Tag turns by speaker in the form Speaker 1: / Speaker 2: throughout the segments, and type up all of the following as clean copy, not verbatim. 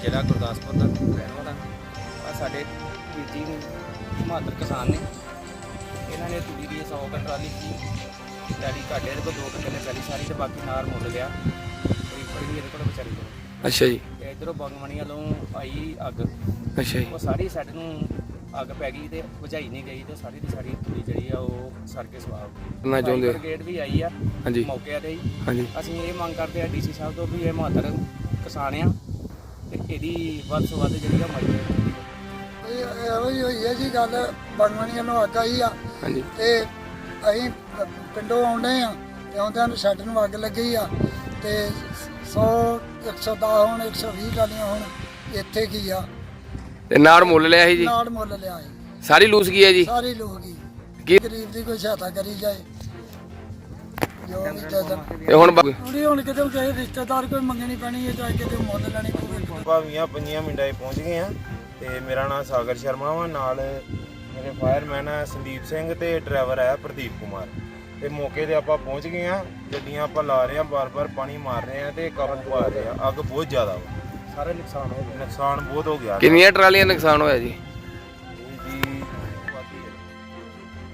Speaker 1: ਜ਼ਿਲ੍ਹਾ ਗੁਰਦਾਸਪੁਰ ਦਾ ਰਹਿਣ ਵਾਲਾ। ਆ ਸਾਡੇ ਵੀਰ ਜੀ ਬਹਾਦਰ ਕਿਸਾਨ ਨੇ, ਇਹਨਾਂ ਨੇ ਤੂੜੀ ਦੀ 100 ਕੁ ਟਰਾਲੀ ਸੀ ਡੈਡੀ ਘਾਟੇ ਦੇ ਕੋਲ 2 ਕਿੱਲੇ ਪੈਲੀ ਸਾਰੀ ਤੇ ਬਾਕੀ ਨਾਰ ਮੁੱਲ ਲਿਆ ਬੜੀ ਇਹਦੇ ਕੋਲ ਵਿਚਾਰੀ ਕੋਲ।
Speaker 2: ਅੱਛਾ ਜੀ।
Speaker 1: ਤੇ ਇੱਧਰੋਂ ਬੰਗਮਣੀ ਵੱਲੋਂ ਆਈ ਅੱਗ,
Speaker 2: ਅੱਛਾ ਜੀ।
Speaker 1: ਉਹ ਸਾਰੀ ਸਾਡੇ ਨੂੰ ਅੱਗ ਪੈ ਗਈ ਤੇ ਬੁਝਾਈ ਨਹੀਂ ਗਈ ਤੇ ਸਾਰੀ ਦੀ ਸਾਰੀ ਤੂੜੀ ਜਿਹੜੀ ਆ ਉਹ ਸੜ ਕੇ ਸਵਾਹ ਹੋ ਗਈ।
Speaker 2: ਕਰਨਾ ਚਾਹੁੰਦੇ
Speaker 1: ਬ੍ਰਿਗੇਡ ਵੀ ਆਈ ਆ
Speaker 2: ਹਾਂਜੀ
Speaker 1: ਮੌਕੇ ਤੇ ਹੀ।
Speaker 2: ਹਾਂਜੀ।
Speaker 1: ਅਸੀਂ ਇਹ ਮੰਗ ਕਰਦੇ ਆ ਡੀਸੀ ਸਾਹਿਬ ਤੋਂ ਵੀ ਇਹ ਬਹਾਦਰ ਕਿਸਾਨ ਆ ਤੇ ਇਹਦੀ ਵੱਧ ਤੋਂ ਵੱਧ ਜਿਹੜੀ ਆ ਮਦਦ ਕੀਤੀ ਜਾਵੇ।
Speaker 3: ਇਹੋ ਹੀ ਹੋਈ ਹੈ ਜੀ ਗੱਲ, ਬੰਗਮਣੀਆਂ ਨੂੰ ਅੱਗ ਆਈ ਆ
Speaker 2: ਹਾਂਜੀ।
Speaker 3: ਤੇ ਅਸੀਂ ਪਿੰਡੋਂ ਆਉਂਦੇ ਆ ਤੇ ਆਉਂਦਿਆਂ ਨੂੰ ਸ਼ੈੱਡ ਨੂੰ ਅੱਗ ਲੱਗੀ ਆ ਤੇ 100 110 ਹੁਣ 120 ਟਾਲੀਆਂ ਹੁਣ ਇੱਥੇ ਕੀ ਆ
Speaker 2: ਤੇ ਨਾੜ ਮੁੱਲ ਲਿਆ ਸੀ ਜੀ?
Speaker 3: ਨਾੜ ਮੁੱਲ ਲਿਆ ਸੀ,
Speaker 2: ਸਾਰੀ ਲੂਸ ਗਈ ਹੈ ਜੀ?
Speaker 3: ਸਾਰੀ ਲੋਕ ਹੀ
Speaker 2: ਕੀ
Speaker 3: ਗਰੀਬ ਦੀ ਕੋਈ ਸਹਾਇਤਾ ਕਰੀ ਜਾਏ ਜੋ ਵੀ ਜਦਨ
Speaker 2: ਤੇ ਹੁਣ
Speaker 3: ਥੋੜੀ ਹੁਣ ਕਿਤੇ ਕਿਸੇ ਰਿਸ਼ਤੇਦਾਰ ਕੋਈ ਮੰਗਣੀ ਪੈਣੀ ਹੈ ਚਾਹੇ ਕਿਤੇ ਮੁੱਲ ਲੈਣੀ ਪਵੇ।
Speaker 4: ਭਾਵੀਆਂ 5 ਮਿੰਟਾਂ 'ਚ ਪਹੁੰਚ ਗਏ ਆ ਤੇ ਮੇਰਾ ਨਾਮ ਸਾਗਰ ਸ਼ਰਮਾ ਵਾ, ਨਾਲ ਮੇਰੇ ਫਾਇਰਮੈਨ ਆ ਸੰਦੀਪ ਸਿੰਘ ਤੇ ਡਰਾਈਵਰ ਆ ਪ੍ਰਦੀਪ ਕੁਮਾਰ। ਤੇ ਮੌਕੇ ਤੇ ਆਪਾਂ ਪਹੁੰਚ ਗਏ ਆ, ਗੱਡੀਆਂ ਆਪਾਂ ਲਾ ਰਹੇ ਆ, ਬਾਰ-ਬਾਰ ਪਾਣੀ ਮਾਰ ਰਹੇ ਆ ਤੇ ਕਾਬੂ ਪਾ ਰਹੇ ਆ। ਅੱਗ ਬਹੁਤ ਜ਼ਿਆਦਾ ਵਾ,
Speaker 1: ਸਾਰਾ ਨੁਕਸਾਨ ਹੋ ਗਿਆ।
Speaker 4: ਨੁਕਸਾਨ ਬਹੁਤ ਹੋ ਗਿਆ
Speaker 2: ਕਿੰਨੀਆਂ ਟਰਾਲੀਆਂ ਨੁਕਸਾਨ ਹੋਇਆ ਜੀ?
Speaker 4: ਜੀ ਬਾਕੀ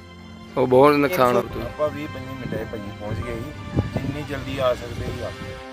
Speaker 2: ਉਹ ਬਹੁਤ ਨੁਕਸਾਨ ਹੋ ਗਿਆ।
Speaker 4: ਆਪਾਂ 20-25 ਮਿੰਟਾਂ 'ਚ ਭਾਜੀ ਪਹੁੰਚ ਗਏ ਸੀ, ਜਿੰਨੀ ਜਲਦੀ ਆ ਸਕਦੇ ਸੀ ਆ।